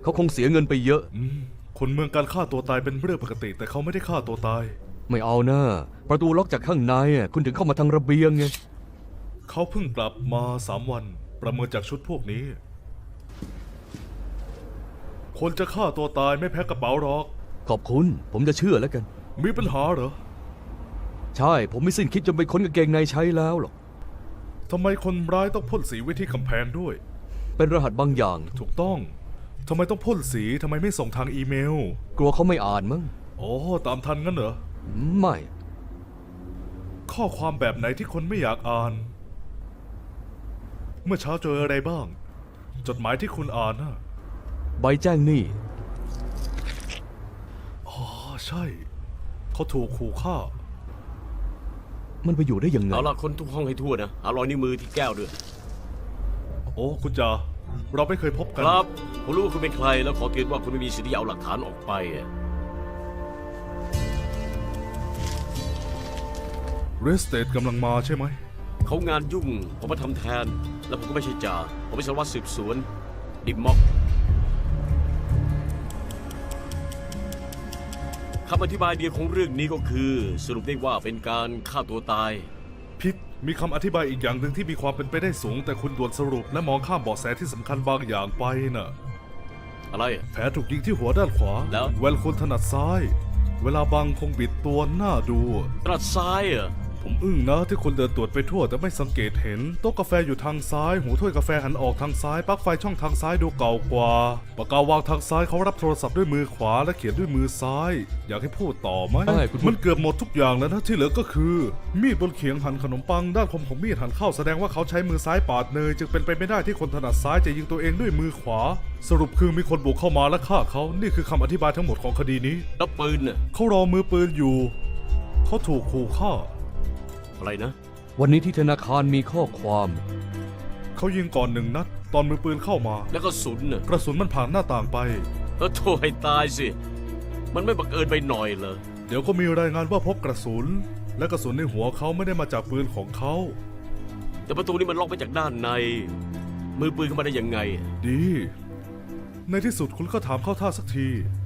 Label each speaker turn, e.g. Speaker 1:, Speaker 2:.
Speaker 1: เขาคงเสียเงินไปเยอะ
Speaker 2: คนเมืองการฆ่าตัวตายเป็นเรื่องปกติแต่เขาไม่ได้ฆ่าตัวตาย
Speaker 1: ไม่เอานะประตูล็อกจากข้างในคุณถึงเข้ามาทางระเบียงไง
Speaker 2: เขาเพิ่งกลับมา3 วันประเมินจากชุดพวกนี้คนจะฆ่าตัวตายไม่แพ้กระเป๋าหรอก
Speaker 1: ขอบคุณผมจะเชื่อแล้วกัน
Speaker 2: มีปัญหาเหรอ
Speaker 1: ใช่ผมไม่สิ้นคิดจนไปค้นกางเกงในใช้แล้วหรอก
Speaker 2: ทำไมคนร้ายต้องพ่นสีไว้ที่กำแพงด้วย
Speaker 1: เป็นรหัสบางอย่าง
Speaker 2: ถูกต้องทำไมต้องพ่นสีทำไมไม่ส่งทางอีเมล
Speaker 1: กลัวเขาไม่อ่านมั้ง
Speaker 2: อ๋อตามทันงั้นเหรอ
Speaker 1: ไม่
Speaker 2: ข้อความแบบไหนที่คนไม่อยากอ่านเมื่อเช้าเจออะไรบ้างจดหมายที่คุณอ่านนะ
Speaker 1: ใบแจ้งหนี้
Speaker 2: อ๋อใช่เขาถูกขู่ฆ่า
Speaker 1: มันไปอยู่ได้ยังไง
Speaker 3: เอาล่ะคนทุกห้องให้ทั่วนะหารอยนิ้วมือที่แก้วด้วย
Speaker 2: โอ้คุณจ่าเราไม่เคยพบกัน
Speaker 3: ครับผมรู้ว่าคุณเป็นใครแล้วขอเตือนว่าคุณไม่มีสิทธิ์ที่จะเอาหลักฐานออกไป
Speaker 2: เรสเตดกำลังมาใช่ไหม
Speaker 3: เขางานยุ่งผมมาทำแทนแล้วผมก็ไม่ใช่จ่าผมเป็นสารวัตรสืบสวนดิมม็อกคำอธิบายเดียวของเรื่องนี้ก็คือสรุปได้ว่าเป็นการฆ่าตัวตาย
Speaker 2: พิษมีคำอธิบายอีกอย่างหนึ่งที่มีความเป็นไปได้สูงแต่คุณด่วนสรุปและมองข้ามเบาะแสที่สำคัญบางอย่างไปน่ะ
Speaker 3: อะไร
Speaker 2: แผลถูกยิงที่หัวด้านขวา
Speaker 3: แล้ว
Speaker 2: แวลคุณถนัดซ้ายเวลาบังคงบิดตัวหน้าดู
Speaker 3: ถนัดซ้ายเหรอ
Speaker 2: ผมอึ้งนะที่คนเดินตรวจไปทั่วแต่ไม่สังเกตเห็นโต๊ะกาแฟอยู่ทางซ้ายหูถ้วยกาแฟหันออกทางซ้ายปลั๊กไฟช่องทางซ้ายดูเก่ากว่าปากกาวางทางซ้ายเขารับโทรศัพท์ด้วยมือขวาและเขียนด้วยมือซ้ายอยากให้พูดต่อไหมมันเกือบหมดทุกอย่างแล้วนะที่เหลือก็คือมีดบนเขียงหั่นขนมปังด้านคมของมีดหั่นเข้าแสดงว่าเขาใช้มือซ้ายปาดเนยจึงเป็นไปไม่ได้ที่คนถนัดซ้ายจะยิงตัวเองด้วยมือขวาสรุปคือมีคนบุกเข้ามาและฆ่าเขานี่คือคำอธิบายทั้งหมดของคดีนี้
Speaker 3: แล้วปืนน่ะ
Speaker 2: เขารอมือปืนอยู่เขาถูกขู่ฆ่า
Speaker 3: อะไรนะ
Speaker 1: วันนี้ที่ธนาคารมีข้อความ
Speaker 2: เขายิงก่อน1 นัดตอนมือปืนเข้ามา
Speaker 3: แล้วก็สุนน่ะ
Speaker 2: กระสุนมันผ่านหน้าต่างไป
Speaker 3: โทษให้ตายสิมันไม่บังเอิญไปหน่อยเหรอ
Speaker 2: เดี๋ยวก็มีรายงานว่าพบกระสุนและกระสุนในหัวเขาไม่ได้มาจากปืนของเขา
Speaker 3: แต่ประตูนี้มันล็อกไปจากด้านในมือปืนเข้ามาได้ยังไง
Speaker 2: ดีในที่สุดคุณก็ถามเข้าท่าสักที